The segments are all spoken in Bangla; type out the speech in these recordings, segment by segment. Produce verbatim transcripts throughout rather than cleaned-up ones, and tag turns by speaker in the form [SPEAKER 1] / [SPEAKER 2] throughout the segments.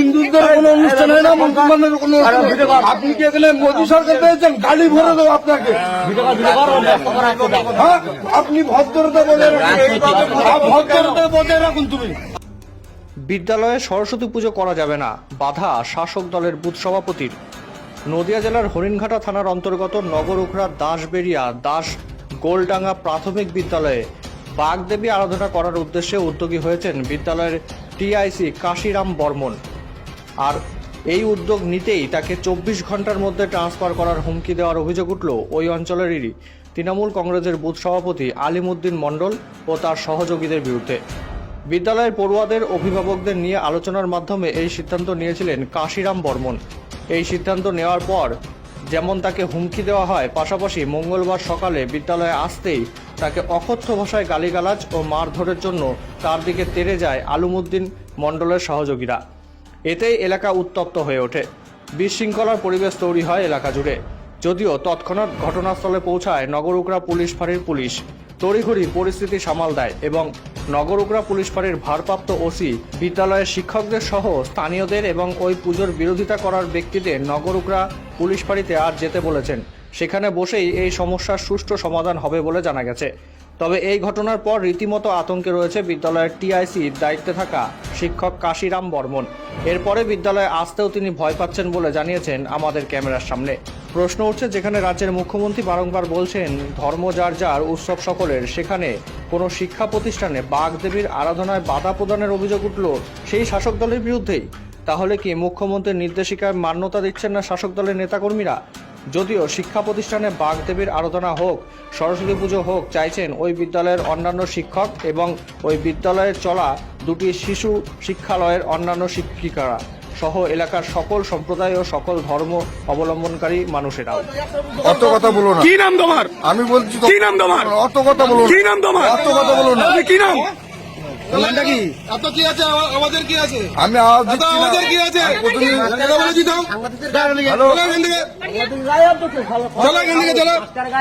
[SPEAKER 1] হিন্দুদের কোনো অনুষ্ঠান হয় না, মুসলমানের কোনো আপনি কি এখানে মোদী সরকার পেয়েছেন? গাড়ি ভরে দেবো আপনাকে। হ্যাঁ, আপনি ভদ্রতা বজায় রাখুন, ভদ্রতা বজায় রাখুন। তুমি
[SPEAKER 2] বিদ্যালয়ে সরস্বতী পুজো করা যাবে না, বাধা শাসক দলের বুথ সভাপতির। নদিয়া জেলার হরিণঘাটা থানার অন্তর্গত নগরুখরা দাসবেরিয়া দাস গোলডাঙ্গা প্রাথমিক বিদ্যালয়ে বাগদেবী আরাধনা করার উদ্দেশ্যে উদ্যোগী হয়েছেন বিদ্যালয়ের টিআইসি কাশিরাম বর্মন। আর এই উদ্যোগ নিতেই তাকে চব্বিশ ঘন্টার মধ্যে ট্রান্সফার করার হুমকি দেওয়ার অভিযোগ উঠল ওই অঞ্চলেরই তৃণমূল কংগ্রেসের বুথ সভাপতি আলিমুদ্দিন মণ্ডল ও তার সহযোগীদের বিরুদ্ধে। বিদ্যালয়ের পড়ুয়াদের অভিভাবকদের নিয়ে আলোচনার মাধ্যমে এই সিদ্ধান্ত নিয়েছিলেন কাশিরাম বর্মন। এই সিদ্ধান্ত নেওয়ার পর যেমন তাকে হুমকি দেওয়া হয়, পাশাপাশি মঙ্গলবার সকালে বিদ্যালয়ে আসতেই তাকে অকথ্য ভাষায় গালিগালাজ ও মারধরের জন্য তার দিকে তেড়ে যায় আলিমুদ্দিন মণ্ডলের সহযোগীরা। এতেই এলাকা উত্তপ্ত হয়ে ওঠে, বিশৃঙ্খলার পরিবেশ তৈরি হয় এলাকা জুড়ে। যদিও তৎক্ষণাৎ ঘটনাস্থলে পৌঁছায় নগরুকরা পুলিশ ফাঁড়ির পুলিশ, তড়িঘড়ি পরিস্থিতি সামাল দেয় এবং নগরুকরা পুলিশ ফাঁড়ির ভারপ্রাপ্ত ওসি বিদ্যালয়ের শিক্ষকদের সহ স্থানীয়দের এবং ওই পুজোর বিরোধিতা করার ব্যক্তিদের নগরুকরা পুলিশ ফাঁড়িতে আর যেতে বলেছেন। সেখানে বসেই এই সমস্যার সুষ্ঠু সমাধান হবে বলে জানা গেছে। তবে এই ঘটনার পর রীতিমতো আতঙ্কে রয়েছে বিদ্যালয়ের টিআইসির দায়িত্বে থাকা শিক্ষক কাশিরাম বর্মন। এরপরে বিদ্যালয়ে আসতেও তিনি ভয় পাচ্ছেন বলে জানিয়েছেন আমাদের ক্যামেরার সামনে। প্রশ্ন উঠছে, যেখানে রাজ্যের মুখ্যমন্ত্রী বারংবার বলছেন ধর্ম যার যার, উৎসব সকলের, সেখানে কোনো শিক্ষা প্রতিষ্ঠানে বাগদেবীর আরাধনায় বাধা প্রদানের অভিযোগ উঠল সেই শাসক দলের বিরুদ্ধেই। তাহলে কি মুখ্যমন্ত্রীর নির্দেশিকায় মান্যতা দিচ্ছেন না শাসক দলের নেতাকর্মীরা? যদিও শিক্ষা প্রতিষ্ঠানে বাগদেবীর আরাধনা হোক, সরস্বতী পুজো হোক চাইছেন ওই বিদ্যালয়ের অন্যান্য শিক্ষক এবং ওই বিদ্যালয়ে চলা দুটি শিশু শিক্ষালয়ের অন্যান্য শিক্ষিকারা সহ এলাকার সকল সম্প্রদায় ও সকল ধর্ম অবলম্বনকারী মানুষেরাও।
[SPEAKER 1] অত কথা বলো না।
[SPEAKER 3] কি নাম তোমার?
[SPEAKER 1] আমি বলছি
[SPEAKER 3] কি নাম তোমার?
[SPEAKER 1] অত কথা বলো না।
[SPEAKER 3] কি নাম তোমার?
[SPEAKER 1] অত কথা বলো না।
[SPEAKER 3] কি নাম?
[SPEAKER 1] নামটা কি?
[SPEAKER 3] এত কি আছে? আমাদের কি আছে?
[SPEAKER 1] আমি আওয়াজ দিচ্ছি না।
[SPEAKER 3] আমাদের কি আছে? কথা বলে দিতাম।
[SPEAKER 1] হ্যালো,
[SPEAKER 3] চলো এখান থেকে, চলো এখান থেকে, চলো।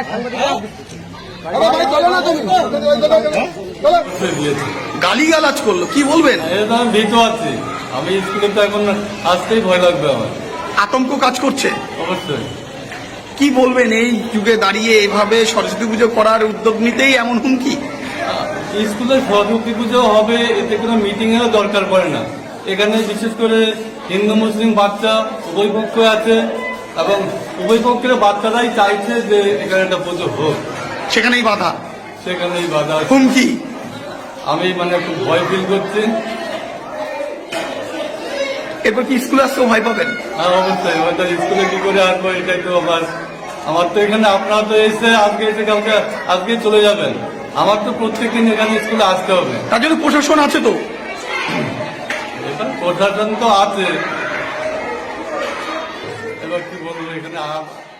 [SPEAKER 3] আরে ভাই চলো না তুমি, চলো।
[SPEAKER 4] গালিগালাজ করলো, কি বলবেন?
[SPEAKER 5] এটা আমি ভীত আছি। আমি স্কুলে তো এখন আসতেই ভয় লাগবে আমার।
[SPEAKER 4] আতঙ্ক কাজ করছে
[SPEAKER 5] অবশ্যই।
[SPEAKER 4] কি বলবেন এই যুগে দাঁড়িয়ে এভাবে সরস্বতী পুজো করার উদ্যোগ নিতেই এমন হুমকি?
[SPEAKER 5] স্কুলে সরস্বতী পুজো হবে, এতে কোনো মিটিং এরও দরকার পড়ে না। এখানে বিশেষ করে হিন্দু মুসলিম বাচ্চা উভয় পক্ষ আছে এবং উভয় পক্ষের বাচ্চারাই চাইছে যে এখানে একটা পুজো হোক,
[SPEAKER 4] সেখানেই বাধা,
[SPEAKER 5] সেখানেই বাধা,
[SPEAKER 4] হুমকি।
[SPEAKER 5] আমি মানে খুব ভয় ফিল করছি।
[SPEAKER 4] এরপর কি স্কুলে আসতেও ভয় পাবেন?
[SPEAKER 5] আর অবশ্যই হয়তো স্কুলে কি করে আসবো, এটাই তো আমার আমার তো এখানে আপনারা তো এসে আজকে এসে কালকে আজকে চলে যাবেন, আমার তো প্রত্যেকদিন এখানে স্কুলে আসতে হবে।
[SPEAKER 4] তার জন্য প্রশাসন আছে তো?
[SPEAKER 5] এখানে প্রশাসন তো আছে, এবার কি বলবো এখানে